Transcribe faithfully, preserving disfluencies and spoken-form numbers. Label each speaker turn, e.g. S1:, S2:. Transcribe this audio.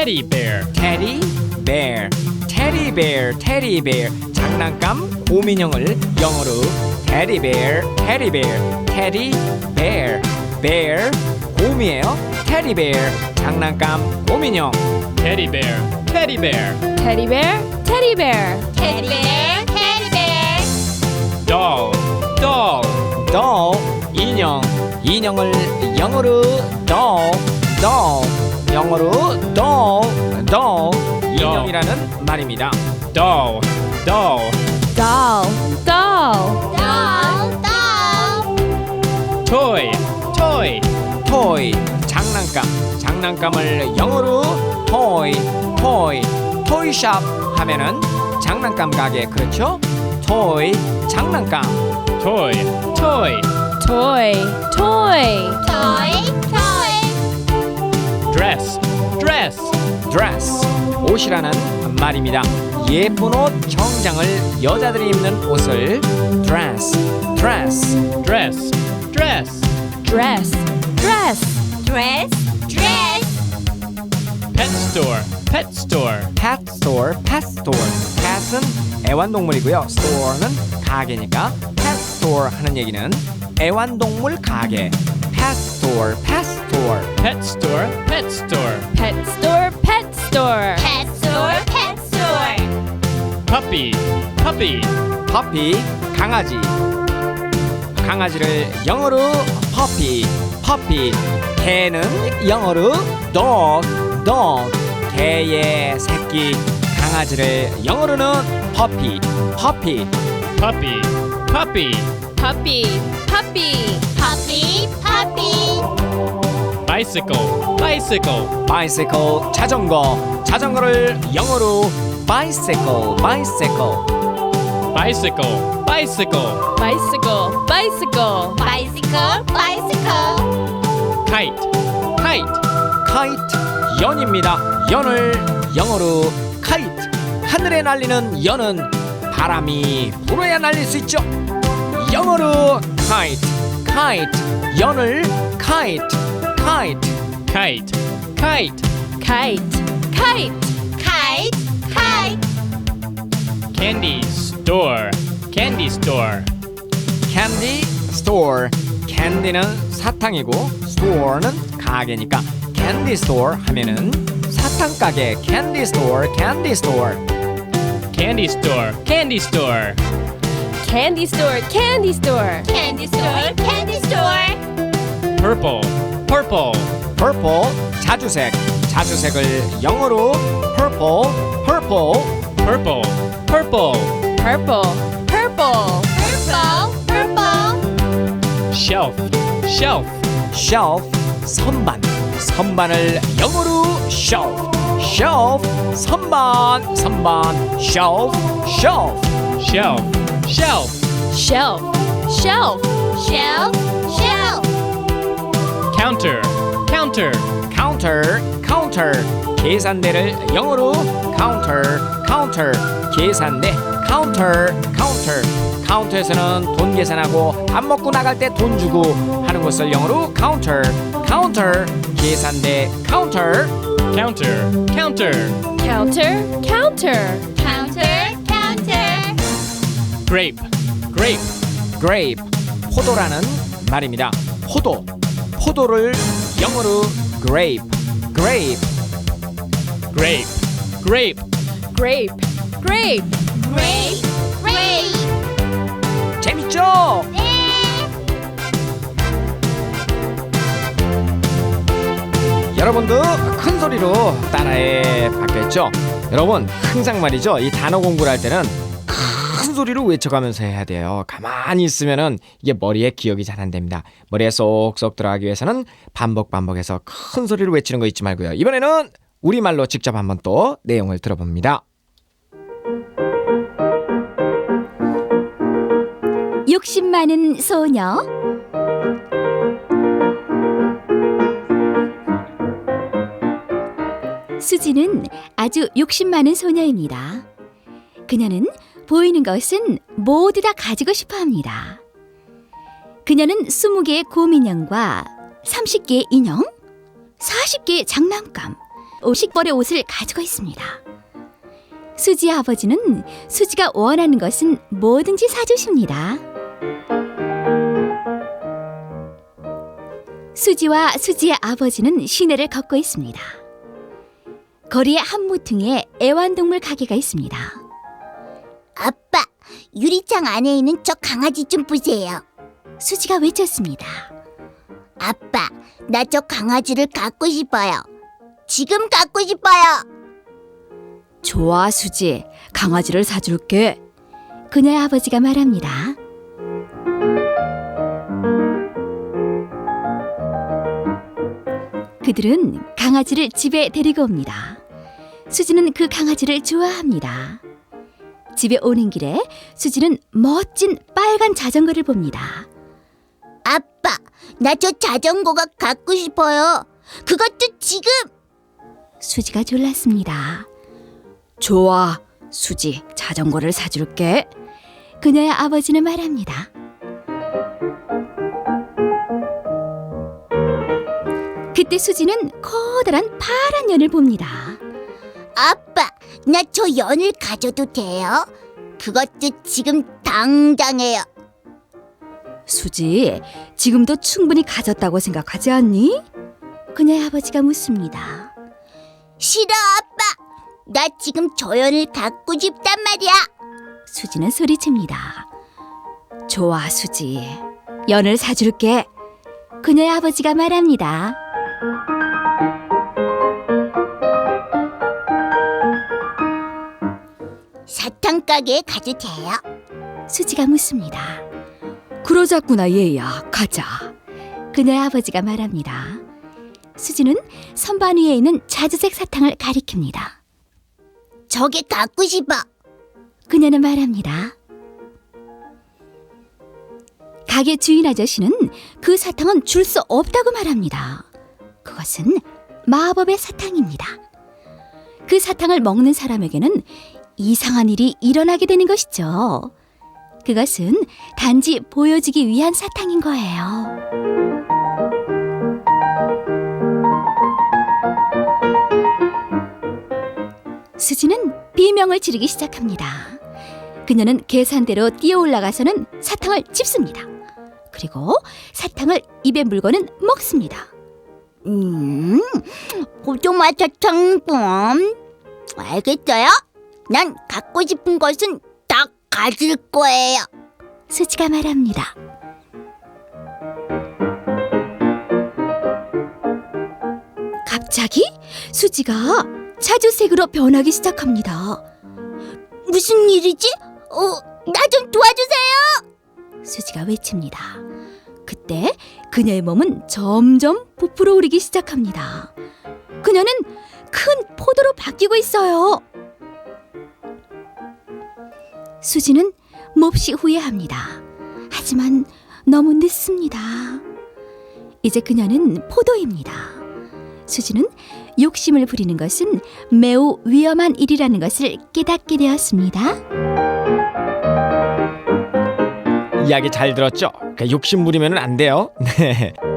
S1: teddy bear,
S2: teddy bear, teddy bear, teddy bear. 장난감 곰인형을 영어로 teddy bear, teddy bear, teddy bear, bear 곰이에요. teddy bear 장난감 곰인형.
S1: teddy bear, teddy bear,
S3: Teddy bear, teddy bear.
S4: Teddy bear, teddy bear.
S1: doll, doll,
S2: doll 인형, 인형을 영어로 doll, doll 영어로 doll, doll 인형이라는 말입니다.
S1: doll, doll,
S3: Doll, doll.
S4: Doll, doll.
S1: toy, toy,
S2: toy 장난감, 장난감을 영어로 toy, toy, toyshop 하면은 장난감 가게 그렇죠? toy 장난감.
S1: toy, toy,
S3: Toy, toy.
S4: Toy, toy.
S1: dress, dress,
S2: dress 옷이라는 말입니다. 예쁜 옷, 정장을 여자들이 입는 옷을 dress, dress.
S1: dress, dress,
S3: Dress, dress.
S4: Dress, dress.
S1: pet store, pet store,
S2: pet store, pet store. pet은 애완동물이고요. store는 가게니까 pet store 하는 얘기는 애완동물 가게. pet store, pet store.
S1: pet store, pet store,
S3: Pet store, pet store.
S4: Pet store, pet store.
S1: puppy, puppy,
S2: puppy 강아지. 강아지를 영어로 puppy, puppy. 개는 영어로 dog, dog. 개의 새끼. 강아지를 영어로는 puppy, puppy.
S1: puppy, puppy,
S3: Puppy, puppy.
S4: Puppy, puppy.
S1: bicycle, bicycle,
S2: bicycle 자전거. 자전거를 영어로 bicycle, bicycle.
S1: bicycle, bicycle,
S3: Bicycle, bicycle.
S4: Bicycle, bicycle.
S1: kite, kite,
S2: kite 연입니다. 연을 영어로 kite. 하늘에 날리는 연은 바람이 불어야 날릴 수 있죠. 영어로 kite, kite. 연을 kite, kite.
S1: kite, kite,
S3: Kite, kite.
S4: Kite, kite.
S1: candy store, candy store,
S2: candy store. candy는 사탕이고 store는 가게니까 candy store 하면은 사탕 가게. candy store, candy store.
S1: candy store, candy store,
S3: Candy store, candy store.
S4: Candy store, candy store.
S1: purple, purple,
S2: purple 자주색. 자주색을 영어로 purple, purple.
S1: purple, purple,
S3: Purple, purple.
S4: Purple, purple.
S1: shelf, shelf,
S2: shelf 선반. 선반을 영어로 shelf, shelf. 선반, 선반. shelf, shelf.
S1: shelf, shelf,
S3: Shelf, shelf.
S4: Shelf, shelf.
S1: counter, counter,
S2: counter, counter. 계산대를 영어로 counter, counter. 계산대 counter, counter. 카운터에서는 돈 계산하고 밥 먹고 나갈 때 돈 주고 하는 것을 영어로 counter, counter. 계산대 counter.
S1: counter, counter,
S3: Counter, counter.
S4: Counter, counter.
S1: grape, grape,
S2: grape 포도라는 말입니다. 포도. 포도를 영어로 grape, grape.
S1: grape, grape,
S3: Grape, grape.
S4: Grape, grape.
S2: 재밌죠?
S4: 네.
S2: 여러분도 큰 소리로 따라해 봤겠죠? 여러분 항상 말이죠. 이 단어 공부를 할 때는 큰 소리로 외쳐가면서 해야 돼요. 가만히 있으면은 이게 머리에 기억이 잘 안 됩니다. 머리에 쏙쏙 들어가기 위해서는 반복 반복해서 큰 소리로 외치는 거 잊지 말고요. 이번에는 우리말로 직접 한번 또 내용을 들어봅니다.
S5: 욕심 많은 소녀. 수지는 아주 욕심 많은 소녀입니다. 그녀는 보이는 것은 모두 다 가지고 싶어 합니다. 그녀는 스무 개의 곰인형과 삼십 개의 인형, 사십 개의 장난감, 오십 벌의 옷을 가지고 있습니다. 수지의 아버지는 수지가 원하는 것은 뭐든지 사주십니다. 수지와 수지의 아버지는 시내를 걷고 있습니다. 거리의 한 모퉁이에 애완동물 가게가 있습니다.
S4: 아빠, 유리창 안에 있는 저 강아지 좀 보세요.
S5: 수지가 외쳤습니다.
S4: 아빠, 나 저 강아지를 갖고 싶어요. 지금 갖고 싶어요.
S5: 좋아, 수지. 강아지를 사줄게. 그녀의 아버지가 말합니다. 그들은 강아지를 집에 데리고 옵니다. 수지는 그 강아지를 좋아합니다. 집에 오는 길에 수지는 멋진 빨간 자전거를 봅니다.
S4: 아빠, 나 저 자전거가 갖고 싶어요. 그것도 지금.
S5: 수지가 졸랐습니다. 좋아, 수지. 자전거를 사줄게. 그녀의 아버지는 말합니다. 그때 수지는 커다란 파란 연을 봅니다.
S4: 아빠, 나 저 연을 가져도 돼요? 그것도 지금 당장해요.
S5: 수지, 지금도 충분히 가졌다고 생각하지 않니? 그녀의 아버지가 묻습니다.
S4: 싫어, 아빠. 나 지금 저 연을 갖고 싶단 말이야.
S5: 수지는 소리칩니다. 좋아, 수지. 연을 사줄게. 그녀의 아버지가 말합니다.
S4: 사탕 가게에 가도 돼요?
S5: 수지가 묻습니다. 그러자꾸나 얘야, 가자. 그녀의 아버지가 말합니다. 수지는 선반 위에 있는 자주색 사탕을 가리킵니다.
S4: 저게 갖고 싶어.
S5: 그녀는 말합니다. 가게 주인 아저씨는 그 사탕은 줄 수 없다고 말합니다. 그것은 마법의 사탕입니다. 그 사탕을 먹는 사람에게는 이상한 일이 일어나게 되는 것이죠. 그것은 단지 보여주기 위한 사탕인 거예요. 수지는 비명을 지르기 시작합니다. 그녀는 계산대로 뛰어 올라가서는 사탕을 집습니다. 그리고 사탕을 입에 물고는 먹습니다.
S4: 음, 포도맛 사탕범. 알겠어요? 난 갖고 싶은 것은 다 가질 거예요.
S5: 수지가 말합니다. 갑자기 수지가 자주색으로 변하기 시작합니다.
S4: 무슨 일이지? 어, 나 좀 도와주세요.
S5: 수지가 외칩니다. 그때 그녀의 몸은 점점 부풀어 오르기 시작합니다. 그녀는 큰 포도로 바뀌고 있어요. 수지는 몹시 후회합니다. 하지만 너무 늦습니다. 이제 그녀는 포도입니다. 수지는 욕심을 부리는 것은 매우 위험한 일이라는 것을 깨닫게 되었습니다.
S2: 이야기 잘 들었죠? 그러니까 욕심 부리면 안 돼요. 네.